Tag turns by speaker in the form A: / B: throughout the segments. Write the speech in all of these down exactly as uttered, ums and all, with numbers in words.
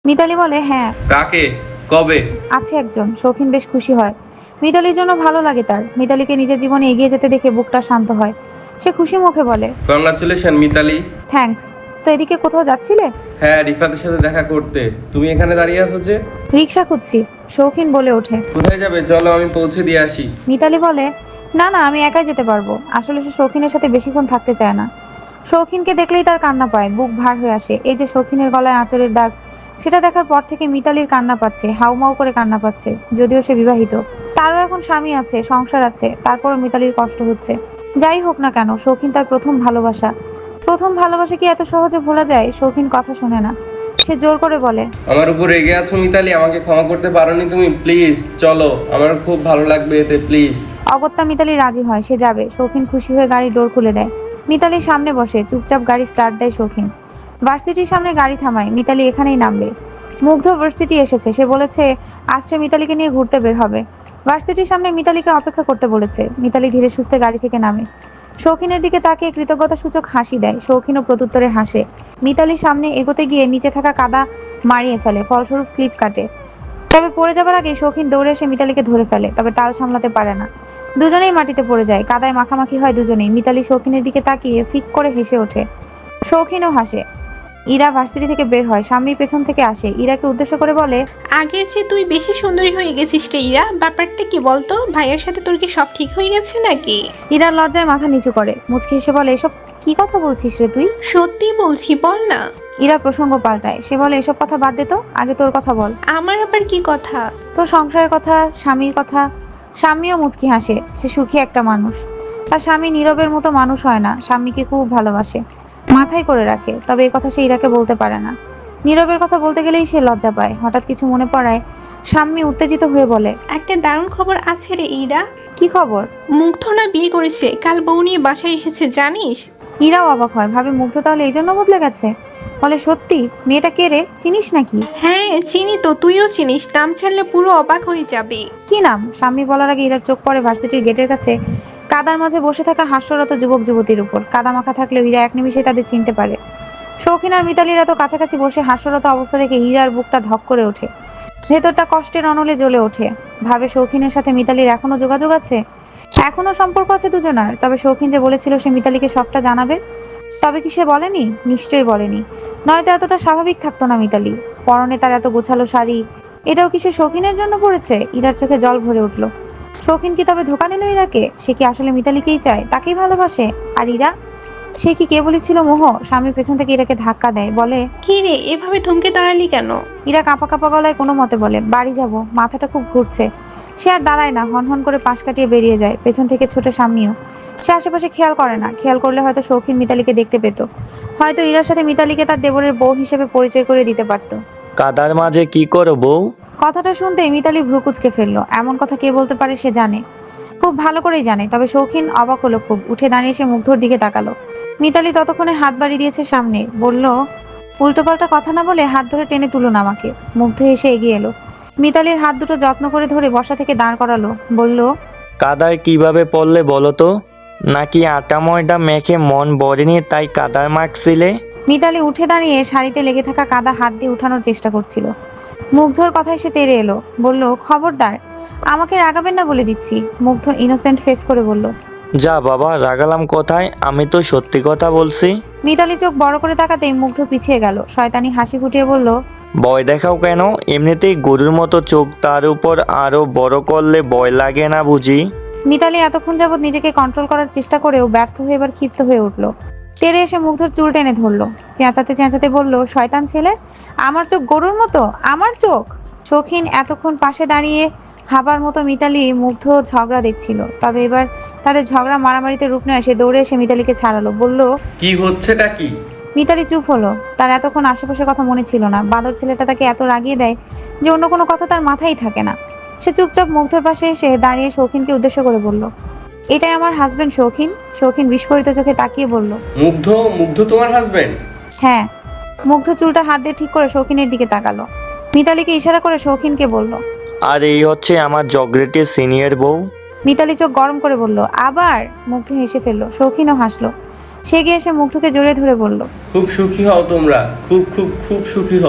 A: মিতালি বলে, হ্যাঁ।
B: কাকে? কবে?
A: আছে একজন। শৌখিন বেশ খুশি হয়। মিতালির জন্য ভালো লাগে তার। মিতালিকে নিজের জীবনে এগিয়ে যেতে দেখে বুকটা শান্ত হয়। সে খুশি মুখে বলে,
B: কংগ্রাচুলেশন মিতালি।
A: থ্যাঙ্কস। তো এদিকে কোথাও যাচ্ছিলে?
B: হ্যাঁ, রিফাতের সাথে দেখা করতে। তুমি এখানে দাঁড়িয়ে আছো যে?
A: রিক্সা খুঁজছি। শৌখিন বলে ওঠে।
B: কোথায় যাবে? চলো আমি পৌঁছে দিয়ে আসি।
A: মিতালি বলে, না না, আমি একাই যেতে পারবো। আসলে সে শৌখিনের সাথে বেশিক্ষণ থাকতে চায় না। শৌখিনকে দেখলেই তার কান্না পায়, বুক ভার হয়ে আসে। এই যে শৌখিনের গলায় আঁচড়ের দাগ, সেটা দেখার পর থেকে মিতালির কান্না পাচ্ছে, হাউমাউ করে কান্না পাচ্ছে। যদিও সে বিবাহিত, তারও এখন স্বামী আছে, সংসার আছে, তারপরও মিতালির কষ্ট হচ্ছে। যাই হোক না কেন, শৌখিন তার প্রথম ভালোবাসা। প্রথম ভালোবাসা কি এত সহজে ভোলা যায়? শৌখিন কথা শোনে না। সে জোর করে বলে,
B: আমার উপর রেগে আছো মিতালি? আমাকে ক্ষমা করতে পারোনি তুমি? প্লিজ চলো, আমার খুব ভালো লাগবে এতে, প্লিজ।
A: অগত্যা মিতালি রাজি হয়, সে যাবে। শৌখিন খুশি হয়ে গাড়ির ডোর খুলে দেয়। মিতালি সামনে বসে, চুপচাপ গাড়ি স্টার্ট দেয় শৌখিন। ভার্সিটির সামনে গাড়ি থামায়। মিতালি এখানেই নামবে। মুগ্ধ ভার্সিটি এসেছে, সে বলেছে আজ সে মিতালিকে নিয়ে ঘুরতে বের হবে। ভার্সিটির সামনে মিতালিকে অপেক্ষা করতে বলেছে। মিতালি ধীরে সুস্থে গাড়ি থেকে নামে। শৌখিনের দিকে তাকিয়ে কৃতজ্ঞতা সূচক হাসি দেয়। শৌখিনও প্রত্যুত্তরে হাসে। মিতালির সামনে এগোতে গিয়ে নিচে থাকা কাদা মারিয়ে ফেলে, ফলস্বরূপ স্লিপ কাটে। তবে পড়ে যাবার আগে শৌখিন দৌড়ে এসে মিতালিকে ধরে ফেলে, তবে টাল সামলাতে পারে না। দুজনেই মাটিতে পড়ে যায়, কাদায় মাখামাখি হয় দুজনেই। মিতালি শৌখিনের দিকে তাকিয়ে ফিক করে হেসে ওঠে। শৌখিনও হাসে। ইরা ভার্সিটি থেকে বের হয়, স্বামীর পেছন থেকে আসে, ইরাকে উদ্দেশ্য করে বলে,
C: আগের চেয়ে তুই বেশি সুন্দরী হয়ে গেছিস রে ইরা। ব্যাপারটা কি বলতো? ভাইয়ের সাথে তোর কি সব ঠিক হয়ে গেছে নাকি?
A: ইরা লজ্জায় মাথা নিচু করে, মুচকি হেসে বলে, এসব কি কথা বলছিস রে তুই?
C: সত্যি বলছি, বল না।
A: ইরা প্রসঙ্গ পাল্টায়, সে বলে, এসব কথা বাদ দে তো, আগে তোর কথা বল।
C: আমার আবার কি কথা?
A: তোর সংসারের কথা, স্বামীর কথা। স্বামীও মুচকি হাসে, সে সুখী একটা মানুষ। তার স্বামী নীরবের মতো মানুষ হয় না, স্বামীকে খুব ভালোবাসে, মাথায় করে রাখে। তবে এই কথা সে ইরাকে বলতে পারে না। নীরবের কথা বলতে গেলেই সে লজ্জা পায়। হঠাৎ কিছু মনে পড়ায় স্বামী উত্তেজিত হয়ে বলে,
C: একটা দারুণ খবর আছে রে ইরা।
A: কি খবর?
C: মুগ্ধ না বিয়ে করেছে, কাল বউ নিয়ে বাসায় এসেছে, জানিস?
A: ইরাও অবাক হয়, ভাবে মুগ্ধ তাহলে এই জন্য বদলে গেছে। বলে, সত্যি? মেয়েটা কে রে, চিনিস নাকি?
C: হ্যাঁ চিনি তো, তুইও চিনিস, নাম জানলে পুরো অবাক হয়ে যাবে।
A: কি নাম? স্বামী বলার আগে ইরার চোখ পড়ে ভার্সিটির গেটের কাছে কাদার মাঝে বসে থাকা হাস্যরত যুবক যুবতীর উপর। কাদা মাখা থাকলেও ইরা এক নিমিষে তাদের চিনতে পারে। শৌখিন আর মিতালির এত কাছাকাছি বসে হাস্যরত অবস্থা দেখে হীরার বুকটা ধক করে ওঠে, ভেতরটা কষ্টের অনলে জ্বলে ওঠে। ভাবে শৌখিনের সাথে মিতালির এখনো যোগাযোগ আছে, এখনো সম্পর্ক আছে দুজনার। তবে শৌখিন যে বলেছিল সে মিতালিকে সবটা জানাবে, তবে কি সে বলেনি? নিশ্চয়ই বলেনি, নয়তো এতটা স্বাভাবিক থাকতো না মিতালি। পরনে তার এত গোছালো শাড়ি, এটাও কি সে শৌখিনের জন্য পড়েছে? ইরার চোখে জল ভরে উঠল। শৌখিন কি তবে ধোকা দিল ইরাকে? সে কি আসলে মিতালিকেই চায়, তাকেই ভালোবাসে? আর ইরা, সে কি কেবলই ছিল মোহ? স্বামীর পেছন থেকে ইরাকে ধাক্কা দেয়, বলে,
C: কি রে এভাবে থমকে দাঁড়ালি কেন?
A: ইরা কাঁপা কাঁপা গলায় কোনো মতে বলে, বাড়ি যাব, মাথাটা খুব ঘুরছে। সে আর দাঁড়ায় না, হনহন করে পাশ কাটিয়ে বেরিয়ে যায়। পেছন থেকে ছোটে স্বামীও। সে আশেপাশে খেয়াল করে না, খেয়াল করলে হয়তো শৌখিন মিতালিকে দেখতে পেত, হয়তো ইরার সাথে মিতালিকে তার দেবরের বউ হিসেবে পরিচয় করে দিতে পারত।
D: কাদার মাঝে কি করো বউ?
A: কথাটা শুনতেই মিতালি ভ্রু কুঁচকে ফেললো। এমন কথা কে বলতে পারে সে জানে, খুব ভালো করেই জানে। তবে শৌখিন অবাক হলো খুব, উঠে দাঁড়িয়ে সে মুগ্ধর দিকে তাকালো। মিতালি ততক্ষণে হাত বাড়ি দিয়েছে সামনে, বলল, উল্টোপাল্টা কথা না বলে হাত ধরে টেনে তুলুন আমাকে। মুগ্ধ এসে এগিয়ে এলো, মিতালির হাত দুটো যত্ন করে ধরে বসা থেকে দাঁড় করালো, বলল,
D: কাদায় কিভাবে পড়লে বলো তো? নাকি আটা ময়দা মেখে মন ভরেনি তাই কাদায় মাখছিলে?
A: মিতালি উঠে দাঁড়িয়ে শাড়িতে লেগে থাকা কাদা হাত দিয়ে উঠানোর চেষ্টা করছিল। মুগ্ধর কথায় সে তেড়ে এলো, বলল, খবরদার, আমাকে রাগাবেন না বলে দিচ্ছি। মুগ্ধ ইনোসেন্ট ফেস করে বলল,
D: যা বাবা, রাগালাম কোথায়? আমি তো সত্যি কথা বলছি।
A: মিতালি চোখ বড় করে তাকাতেই মুগ্ধ পিছিয়ে গেল, শয়তানি হাসি ফুটিয়ে বলল,
D: ভয় দেখাও কেন? এমনিতেই গরুর মতো চোখ, তার উপর আরো বড় করলে ভয় লাগে না বুঝি?
A: মিতালি এতক্ষণ যাবৎ নিজেকে কন্ট্রোল করার চেষ্টা করেও ব্যর্থ হয়ে এবার ক্ষিপ্ত হয়ে উঠল। তেড়ে এসে মুগ্ধর চুল টেনে ধরলো, চেঁচাতে চেঁচাতে বলল, শয়তান ছেলে, আমার চোখ গরুর মতো? আমার চোখ? শৌখিন এতক্ষণ পাশে দাঁড়িয়ে হাবার মতো মিতালি মুগ্ধ ঝগড়া দেখছিল। তবে এবার তাদের ঝগড়া মারামারিতে রূপ নেয়। সে দৌড়ে এসে মিতালিকে ছাড়ালো, বলল,
B: কি হচ্ছেটা কি?
A: মিতালি চুপ হলো। তার এতক্ষণ আশেপাশের কথা মনে ছিল না। বাদর ছেলেটা তাকে এত রাগিয়ে দেয় যে অন্য কোনো কথা তার মাথায় থাকে না। সে চুপচাপ মুগ্ধর পাশে এসে দাঁড়িয়ে শৌখিনকে উদ্দেশ্য করে বলল, এটাই আমার হাজবেন্ড শৌখিন। শৌখিন বিস্ফোরিত চোখে তাকিয়ে বলল,
B: মুগ্ধ? মুগ্ধ তোমার হাজবেন্ড?
A: হ্যাঁ। মুগ্ধ চুলটা হাত দিয়ে ঠিক করে শৌখিনের দিকে তাকালো, মিতালিকে ইশারা করে শৌখিনকে বলল,
D: আর এই হচ্ছে আমার জগরেটের সিনিয়র বউ।
A: মিতালি চোখ গরম করে বলল, আবার? মুগ্ধ হেসে ফেললো, শৌখিনও হাসলো। সে গিয়ে এসে মুগ্ধকে জড়িয়ে ধরে বলল,
B: খুব সুখী হও তোমরা, খুব খুব খুব সুখী হও।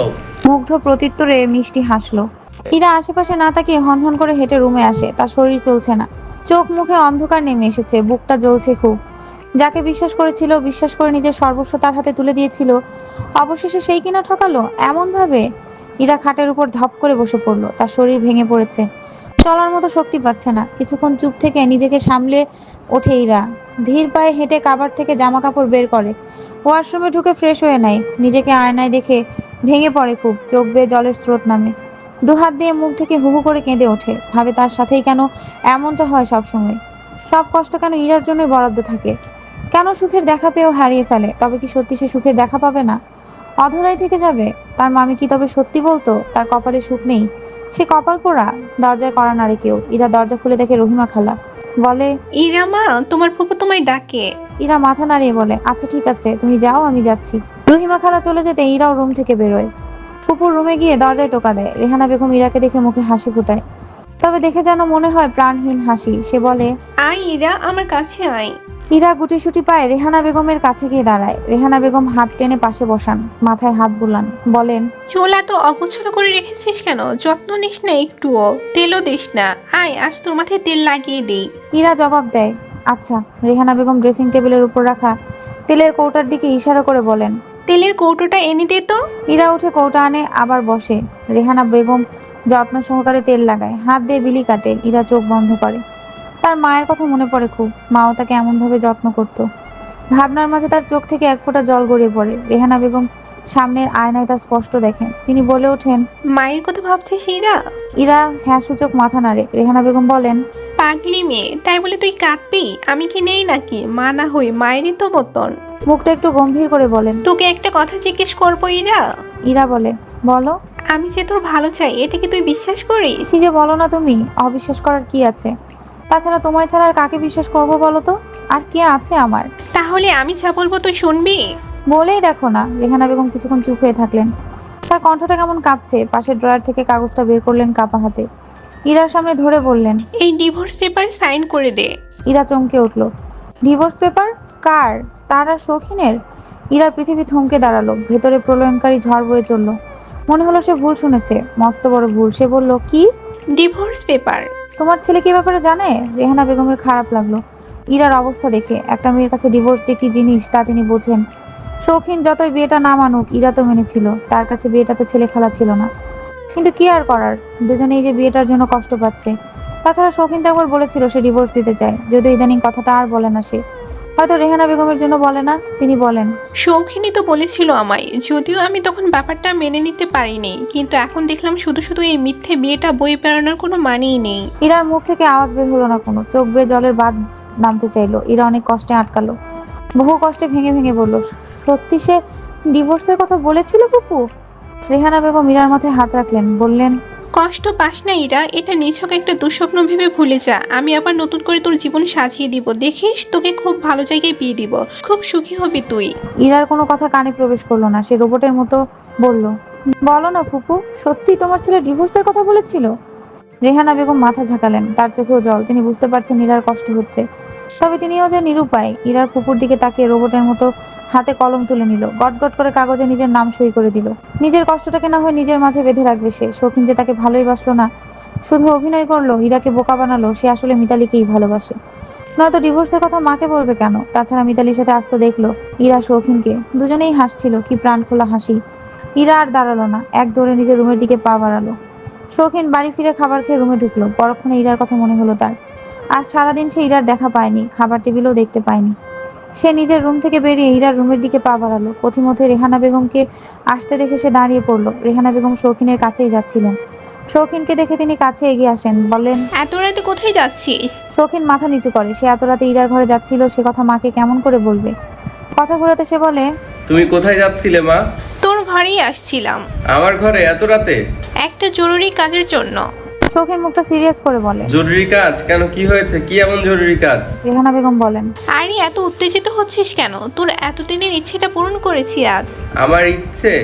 A: মুগ্ধ প্রত্যুত্তরে মিষ্টি হাসলো। ইরা আশেপাশে না তাকিয়ে হনহন করে হেঁটে রুমে আসে। তার শরীর চলছে না, চোখ মুখে অন্ধকার নেমে এসেছে, বুকটা জ্বলছে খুব। যাকে বিশ্বাস করেছিল, বিশ্বাস করে নিজের সর্বস্ব তার হাতে তুলে দিয়েছিল, অবশেষে সেই কিনা ঠকালো এমন ভাবে। ইরা খাটের উপর ধপ করে বসে পড়লো। তার শরীর ভেঙে পড়েছে, চলার মতো শক্তি পাচ্ছে না। কিছুক্ষণ চুপ থেকে নিজেকে সামলে ওঠে ইরা। ধীর পায়ে হেঁটে কাবার থেকে জামা কাপড় বের করে, ওয়াশরুমে ঢুকে ফ্রেশ হয়ে নেয়। নিজেকে আয়নায় দেখে ভেঙে পড়ে খুব, চোখ বেয়ে জলের স্রোত নামে। দুহাত দিয়ে মুখ ঢেকে হুহু করে কেঁদে ওঠে। ভাবে তার সাথেই কেন এমনটা হয় সবসময়। সব কষ্ট কেন ইরার জন্যই বরাদ্দ থাকে। কেন সুখের দেখা পেয়েও হারিয়ে ফেলে। তবে কি সত্যি সে সুখের দেখা পাবে না, অধরাই থেকে যাবে? তার মামি কি তবে সত্যি বলতো তার কপালে সুখ নেই? সে কপাল পোড়া। দরজায় কড়া নাড়ে কেউ। ইরা দরজা খুলে দেখে রহিমা খালা। বলে,
C: ইরা মা, তোমার ফুপু তোমায় ডাকে।
A: ইরা মাথা নাড়িয়ে বলে, আচ্ছা ঠিক আছে, তুমি যাও, আমি যাচ্ছি। রহিমা খালা চলে যেতে ইরাও রুম থেকে বেরোয়। ফুপুর রুমে গিয়ে দরজায় টোকা দেয়। রেহানা বেগম ইরাকে দেখে মুখে হাসি ফোটায়, তবে দেখে যেন মনে হয় প্রাণহীন হাসি। সে বলে,
C: আয় ইরা, আমার কাছে আয়।
A: ইরা গুটিসুটি পায় রেহানা বেগমের কাছে গিয়ে দাঁড়ায়। রেহানা বেগম হাত টেনে পাশে বসান, মাথায় হাত বুলান, বলেন,
C: চুল এত অগোছালো করে রেখেছিস কেন? যত্ন নিস না একটুও, তেলও দিস না। আয়, আজ তোর মাথায় তেল লাগিয়ে দিই।
A: ইরা জবাব দেয়, আচ্ছা। রেহানা বেগম ড্রেসিং টেবিলের উপর রাখা তেলের কৌটার দিকে ইশারা করে বলেন,
C: তেলের কৌটোটা এনে দে তো।
A: ইরা উঠে কৌটা আনে, আবার বসে। রেহানা বেগম যত্ন সহকারে তেল লাগায়, হাত দিয়ে বিলি কাটে। ইরা চোখ বন্ধ করে। তার মায়ের কথা মনে পড়ে খুব। মাও তাকে এমনভাবে যত্ন করত। ভাবনার মাঝে তার চোখ থেকে এক ফোঁটা জল গড়িয়ে পড়ে। রেহানা বেগম সামনের আয়নায় তা স্পষ্ট দেখেন। তিনি বলে ওঠেন,
C: মায়ের কথা ভাবছিস ইরা?
A: ইরা হ্যাঁ সূচক মাথা নাড়ে। রেহানা বেগম বলেন,
C: পাগলি মেয়ে, তাই বলে তুই কাঁদবি? আমি কি নেই নাকি? মা না হই মায়েরই তো মতন।
A: মুখটা একটু গম্ভীর করে বলেন।
C: তোকে একটা কথা জিজ্ঞেস করবো ইরা?
A: ইরা বলে, বলো।
C: আমি যে তোর ভালো চাই, এটা কি তুই বিশ্বাস করিস?
A: কি যে বলো না তুমি, অবিশ্বাস করার কি আছে? তাছাড়া তোমায় ছাড়া আর কাকে বিশ্বাস করবো বলো তো? আর কে আছে আমার?
C: তাহলে আমি যা বলবো তুই শুনবি?
A: বলেই দেখো না। রেহানা বেগম কিছুক্ষণ চুপ হয়ে থাকলেন। তার কণ্ঠটা কেমন কাঁপছে। পাশের ড্রয়ার থেকে কাগজটা বের করলেন কাপা হাতে, ইরার সামনে ধরে বললেন,
C: এই ডিভোর্স পেপার সাইন করে দে।
A: ইরা চমকে উঠল। Divorce paper? কার? তার আর শৌখিনের? ইরার পৃথিবী থমকে দাঁড়ালো। ভেতরে প্রলয়ঙ্কারী ঝড় বয়ে চলল। মনে হলো সে ভুল শুনেছে, মস্ত বড় ভুল। সে বলল, কি?
C: Divorce paper?
A: তোমার ছেলে কি ব্যাপারে জানে? রেহানা বেগমের খারাপ লাগলো ইরার অবস্থা দেখে। একটা মেয়ের কাছে ডিভোর্স যে কি জিনিস তা তিনি বোঝেন। শৌখিন যতই বিয়েটা না মানুক, ইরা তো মেনেছিল। তার কাছে বিয়েটা তো ছেলে খেলা ছিল না। কিন্তু কি আর করার, দুজনেই যে বিয়েটার জন্য কষ্ট পাচ্ছে। তাছাড়া শৌখিন তো একবার বলেছিল সে ডিভোর্স দিতে চায়, যদিও ইদানিং কথাটা আর বলে না সে। হয়তো রেহানা বেগমের জন্য বলে না। তিনি বলেন,
C: শৌখিনী তো বলেছিল আমায়, যদিও আমি তখন ব্যাপারটা মেনে নিতে পারিনি, কিন্তু এখন দেখলাম শুধু শুধু এই মিথ্যে বিয়েটা বই পেরানোর কোনো মানেই নেই।
A: ইরার মুখ থেকে আওয়াজ বের হলো না কোনো। চোখ বেয়ে জলের বাঁধ নামতে চাইলো। ইরা অনেক কষ্টে আটকালো, বহু কষ্টে ভেঙে ভেঙে বলল, সত্যি সে ডিভোর্সের কথা বলেছিল ফুপু? রেহানা বেগম ইরার মাথায় হাত রাখলেন, বললেন,
C: কষ্ট পাস না ইরা, এটা নিছক একটা দুঃস্বপ্ন ভেবে ভুলে যা। আমি আবার নতুন করে তোর জীবন সাজিয়ে দিব, দেখিস তোকে খুব ভালো জায়গায় বিয়ে দিব, খুব সুখী হবি তুই।
A: ইরার কোনো কথা কানে প্রবেশ করলো না। সে রোবটের মতো বলল, বলো না ফুপু, সত্যি তোমার ছেলে ডিভোর্সের কথা বলেছিল? রেহানা বেগম মাথা ঝাঁকালেন, তার চোখেও জল। তিনি বুঝতে পারছেন ইরার কষ্ট হচ্ছে, তবে তিনিও যে নিরুপায়। ইরার ফুপুর দিকে তাকিয়ে রোবটের মতো হাতে কলম তুলে নিল, গটগট করে কাগজে নিজের নাম সই করে দিল। নিজের কষ্টটাকে না হয় নিজের মাঝে বেঁধে রাখবে সে। শৌখিন যে তাকে ভালোই বাসলো না, শুধু অভিনয় করলো, ইরাকে বোকা বানালো। সে আসলে মিতালিকেই ভালোবাসে। নয়তো ডিভোর্সের কথা মাকে বলবে কেন? তাছাড়া মিতালির সাথে আসতো দেখলো ইরা শৌখিনকে, দুজনেই হাসছিল, কি প্রাণ খোলা হাসি। ইরা আর দাঁড়ালো না, এক দৌড়ে নিজের রুমের দিকে পা বাড়ালো। শৌখিন বাড়ি ফিরে খাবার খেয়ে রুমে ঢুকলো। পরক্ষণে ইরার কথা মনে হলো তার। আজ সারাদিন সে ইরার দেখা পায়নি, খাবার টেবিলও দেখতে পায়নি। সে নিজের রুম থেকে বেরিয়ে ইরার রুমের দিকে পা বাড়ালো। পথিমধ্যে রেহানা বেগমকে আসতে দেখে সে দাঁড়িয়ে পড়লো। রেহানা বেগম শৌখিনের কাছেই যাচ্ছিলেন। শৌখিনকে দেখে তিনি কাছে এগিয়ে আসেন, বললেন,
C: এত রাতে কোথায় যাচ্ছিস?
A: শৌখিন মাথা নিচু করে। সে এত রাতে ইরার ঘরে যাচ্ছিল, সে কথা মাকে কেমন করে বলবে? কথা ঘোরাতে সে বলে,
B: তুমি কোথায় যাচ্ছিলে মা?
C: তোর ঘরেই আসছিলাম,
B: আমার ঘরে এত রাতে?
C: একটা জরুরি কাজের জন্য।
A: শৌখিন মুখটা সিরিয়াস করে বলে,
B: জরুরি কাজ? কেন, কি হয়েছে? কি এমন জরুরি কাজ?
A: রেহানা বেগম বলেন,
C: আরে এত উত্তেজিত হচ্ছিস কেন? তোর এতদিনের ইচ্ছেটা পূরণ করেছি আজ।
B: আমার ইচ্ছে?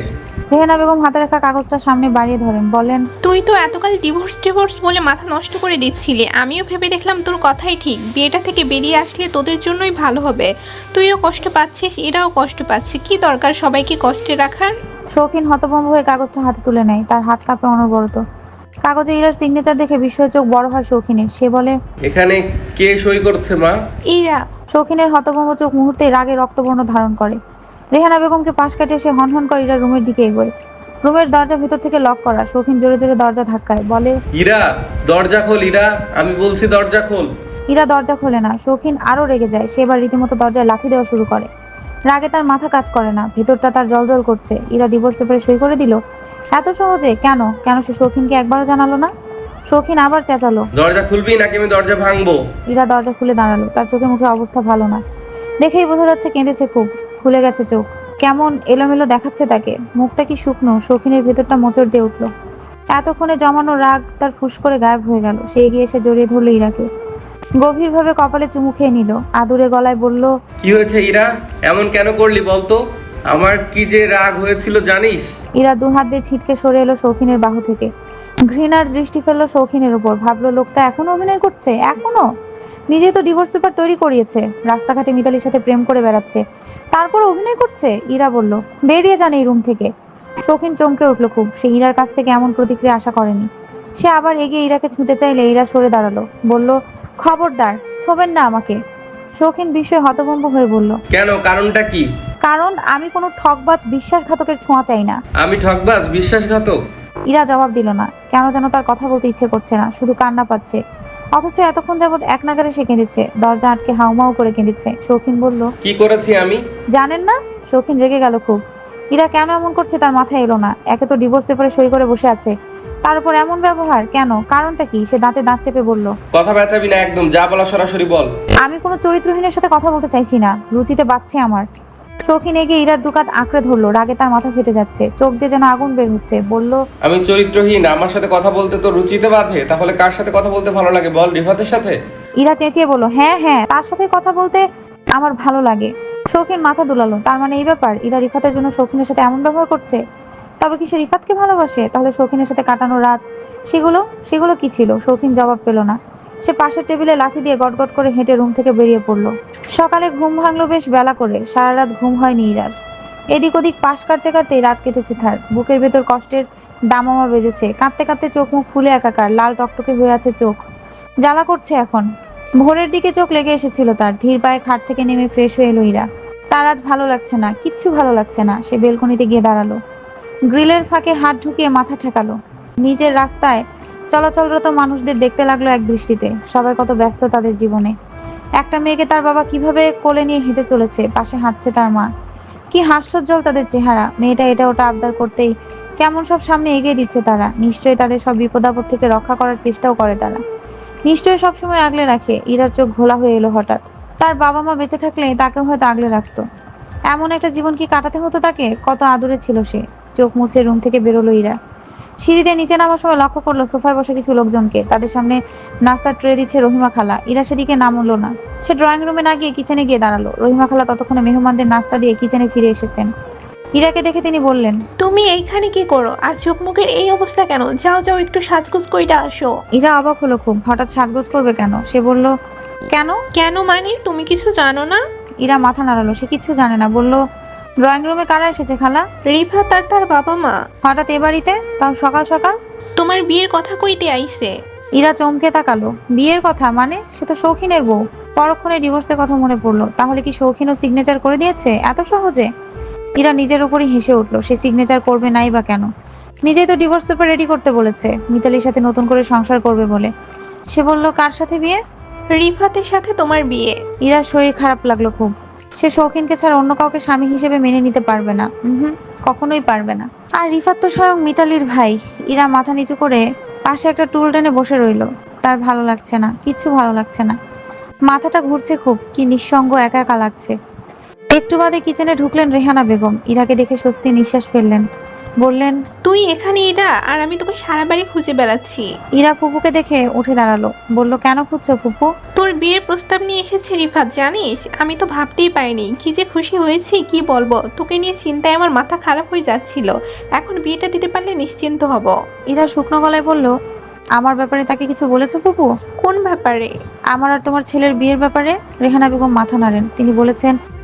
A: রেহানা বেগম হাতে রাখা কাগজটা সামনে বাড়িয়ে ধরেন, বলেন,
C: তুই তো এতকাল ডিভোর্স ডিভোর্স বলে মাথা নষ্ট করে দিচ্ছিলি। আমিও ভেবে দেখলাম তোর কথাই ঠিক, বিয়েটা থেকে বেরিয়ে আসলে তোদের জন্যই ভালো হবে। তুইও কষ্ট পাচ্ছিস, এরাও কষ্ট পাচ্ছে, কি দরকার সবাইকে কষ্টে রাখার।
A: শৌখিন হতভম্ব হয়ে কাগজটা হাতে তুলে নেয়, তার হাত কাঁপে অনবরত। কাগজে ইরার সিগনেচার দেখে বিস্ময় চোখ বড় হয় শৌখিনের। সে বলে,
B: এখানে কে সই করছে মা?
C: ইরা।
A: শৌখিনের হতভম্ব চোখ মুহূর্তে রাগে রক্তবর্ণ ধারণ করে। রেহানা বেগমকে পাশ কাটিয়ে সে হনহন করে ইরার রুমের দিকে এগোয়। রুমের দরজা ভিতর থেকে লক করা। শৌখিন জোরে জোরে দরজা ধাক্কায়, বলে,
B: ইরা, দরজা খোল ইরা, আমি বলছি দরজা খোল।
A: ইরা দরজা খোলে না। শৌখিন আরো রেগে যায়। সে এবার রীতিমতো দরজায় লাথি দেওয়া শুরু করে। রাগে তার মাথা কাজ করে না, ভেতরটা তার জলজল করছে। ইরা ডিভোর্স পেপারে সই করে দিল এত সহজে? কেন কেন সে শৌখিনকে একবারও জানালো না? শৌখিন আবার চেঁচালো,
B: দরজা খুলবি নাকি আমি দরজা ভাঙবো?
A: ইরা দরজা খুলে দাঁড়ালো। তার চোখে মুখে অবস্থা ভালো না, দেখেই বোঝা যাচ্ছে কেঁদেছে খুব। ফুলে গেছে চোখ, কেমন এলোমেলো দেখাচ্ছে তাকে। মুখটা কি শুকনো। শৌখিনের ভেতরটা মোচড় দিয়ে উঠলো। এতক্ষণে জমানো রাগ তার ফুস করে গায়েব হয়ে গেল। সে এগিয়ে এসে জড়িয়ে ধরলো ইরাকে, গভীরভাবে কপালে চুমু খেয়ে নিল। আদুরে গলায় বলল,
B: কি হয়েছে ইরা, এমন কেন করলি বলতো? আমার কি যে রাগ হয়েছিল জানিস?
A: ইরা দু হাত দিয়ে ছিটকে সরে এলো শৌখিনের বাহু থেকে। ঘৃণার দৃষ্টি ফেললো শৌখিনের উপর। ভাবলো লোকটা এখনো অভিনয় করছে, এখনো। নিজে তো ডিভোর্স পেপার তৈরি করিয়েছে, রাস্তাঘাটে মিতালির সাথে প্রেম করে বেড়াচ্ছে, তারপর অভিনয় করছে। ইরা বলল, বেরিয়ে যান এই রুম থেকে। শৌখিন চমকে উঠলো খুব। সে ইরার কাছ থেকে এমন প্রতিক্রিয়া আশা করেনি। সে আবার এগিয়ে ইরাকে ছুঁতে চাইলে ইরা সরে দাঁড়ালো, বলল, খবরদার ছোবেন না আমাকে। শৌখিন বিস্ময়ে হতভম্ব হয়ে বলল,
B: কেন, কারণটা কি?
A: কারণ আমি কোনো ঠকবাজ বিশ্বাসঘাতকের ছোঁয়া চাই না।
B: আমি ঠকবাজ বিশ্বাসঘাতক?
A: ইরা জবাব দিল না। কেন যেন তার কথা বলতে ইচ্ছে করছে না, শুধু কান্না পাচ্ছে। অথচ এতক্ষণ যাবৎ এক নাগারে সে কেঁদেছে, দরজা আটকে হাউমাউ করে কেঁদেছে। শৌখিন বলল,
B: কি করেছি আমি?
A: জানেন না? শৌখিন রেগে গেল খুব। ইরা কেন এমন করছে তার মাথায় এলো না। একে তো ডিভোর্স পেপারে সই করে বসে আছে, তার উপর এমন ব্যবহার। কেন, কারণটা কি? সে দাঁতে দাঁত চেপে বলল,
B: কথা বেচাবি না একদম, যা বলা সরাসরি বল।
A: আমি কোনো চরিত্রহীনের সাথে কথা বলতে চাইছি না, রুচিতে বাচ্ছে আমার। শৌখিন এগিয়ে ইরার দুকাত আঁকড়ে ধরলো। রাগে তার মাথা ফেটে যাচ্ছে, চোখ দিয়ে যেন আগুন বের হচ্ছে। বলল,
B: আমি চরিত্রহীন? আমার সাথে কথা বলতে তো রুচিতে বাঁধে, তাহলে কার সাথে কথা বলতে ভালো লাগে বল? রিফাতের সাথে?
A: ইরা চেঁচিয়ে বলল, হ্যাঁ হ্যাঁ, তার সাথে কথা বলতে আমার ভালো লাগে। শৌখিন মাথা দুলালো। তার মানে এই ব্যাপার, ইরা রিফাতের জন্য শৌখিনের সাথে এমন ব্যবহার করছে। তবে কি সে রিফাতকে ভালোবাসে? তাহলে শৌখিনের সাথে কাটানো রাত, সেগুলো সেগুলো কি ছিল? শৌখিন জবাব পেল না। সে পাশের টেবিলে লাথি দিয়ে গটগট করে হেঁটে রুম থেকে বেরিয়ে পড়লো। সকালে ঘুম ভাঙলো বেশ বেলা করে। সারা রাত ঘুম হয়নি ইরার। এদিক ওদিক পাশ কাটতে কাটতেই রাত কেটেছে তার। বুকের ভেতর কষ্টের দামামা বেজেছে। কাঁদতে কাঁদতে চোখ মুখ ফুলে একাকার, লাল টকটকে হয়ে আছে চোখ, জ্বালা করছে এখন। ভোরের দিকে চোখ লেগে এসেছিল তার। ধীর পায়ে খাট থেকে নেমে ফ্রেশ হয়ে এলো ইরা। তার আজ ভালো লাগছে না, কিচ্ছু ভালো লাগছে না। সে বেলকনিতে গিয়ে দাঁড়ালো, গ্রিলের ফাঁকে হাত ঢুকিয়ে মাথা ঠেকালো। নিজের রাস্তায় চলাচলরত মানুষদের দেখতে লাগলো এক দৃষ্টিতে। সবাই কত ব্যস্ত তাদের জীবনে। একটা মেয়েকে তার বাবা কিভাবে কোলে নিয়ে হেঁটে চলেছে, পাশে হাঁটছে তার মা। কি হাস্যোজ্জ্বল তাদের চেহারা। মেয়েটা এটা ওটা আবদার করতেই কেমন সব সামনে এগিয়ে দিচ্ছে তারা। নিশ্চয়ই তাদের সব বিপদ আপদ থেকে রক্ষা করার চেষ্টাও করে তারা। নিশ্চয়ই সবসময় আগলে রাখে। ইরার চোখ ঘোলা হয়ে এলো হঠাৎ। তার বাবা মা বেঁচে থাকলে তাকেও হয়তো আগলে রাখতো। এমন একটা জীবন কি কাটাতে হতো তাকে? কত আদরে ছিল সে। চোখ মুছে রুম থেকে বেরোলো ইরা। সিঁড়িতে নিচে নামার সময় লক্ষ্য করলো সোফায় বসে কিছু লোকজনকে। তাদের সামনে নাস্তার ট্রে দিচ্ছে রহিমা খালা। ইরা সেদিকে নামলো না। সে ড্রয়িং রুমে না গিয়ে কিচেনে গিয়ে দাঁড়ালো। রহিমা খালা ততক্ষণে মেহমানদের নাস্তা দিয়ে কিচেনে ফিরে এসেছেন। ইরাকে দেখে তিনি বললেন,
C: তুমি এইখানে কি করো? আর চোখ মুখের এই অবস্থা কেন? যাও যাও, একটু সাজগোজ কইরা আসো।
A: ইরা অবাক হলো খুব। হঠাৎ সাজগোজ করবে কেন? সে বলল, কেন?
C: কেন মানে? তুমি কিছু জানো না?
A: ইরা মাথা নাড়ালো। সে কিছু জানে না। বলল, ড্রয়িং রুমে কারা এসেছে খালা?
C: রিফাত আর তার বাবা মা।
A: হঠাৎ এ বাড়িতে, তাও সকাল সকাল?
C: তোমার বিয়ের কথা কইতে আইছে।
A: ইরা চমকে তাকালো। বিয়ের কথা মানে? সে তো শৌখিনের বউ। পরক্ষণে ডিভোর্সের কথা মনে পড়লো। তাহলে কি শৌখিনও সিগনেচার করে দিয়েছে এত সহজে? ইরা নিজের উপরই হেসে উঠলো। সে সিগনেচার করবে নাই বা কেন? নিজেই তো ডিভোর্স পেপার রেডি করতে বলেছে, মিতালির সাথে নতুন করে সংসার করবে বলে। সে বলল, কার সাথে বিয়ে?
C: রিফাতের সাথে তোমার বিয়ে।
A: ইরার শরীর খারাপ লাগলো খুব। সে শৌখিনকে ছাড়া অন্য কাউকে স্বামী হিসেবে মেনে নিতে পারবে না। হুম, কখনোই পারবে না। আর রিফাত তো স্বয়ং মিতালির ভাই। ইরা মাথা নিচু করে পাশে একটা টুল টেনে বসে রইল। তার ভালো লাগছে না, কিচ্ছু ভালো লাগছে না। মাথাটা ঘুরছে খুব। কি নিঃসঙ্গ, একা একা লাগছে। একটু বাদে কিচেনে ঢুকলেন রেহানা বেগম। ইরাকে দেখে স্বস্তি নিঃশ্বাস ফেললেন। বললেন,
C: তুই এখানে এরা আর আমি তোকে সারা বাড়ি খুঁজে বেড়াচ্ছি।
A: ইরা ফুপুকে দেখে উঠে দাঁড়ালো। বলল, কেন খুঁজছো ফুপু?
C: তোর বিয়ের প্রস্তাব নিয়ে এসেছে রিফাত, জানিস আমি তো ভাবতেই পারিনি কি যে খুশি হয়েছি কি বলবো। তোকে নিয়ে চিন্তায় আমার মাথা খারাপ হয়ে যাচ্ছিল, এখন বিয়েটা দিতে পারলে নিশ্চিন্ত হব।
A: ইরা শুকনো গলায় বলল, আমার ব্যাপারে তাকে কিছু বলেছো ফুপু?
C: কোন ব্যাপারে?
A: আমার আর তোমার ছেলের বিয়ের ব্যাপারে। রেহানা বেগম মাথা নাড়েন। তিনি বলেছেন,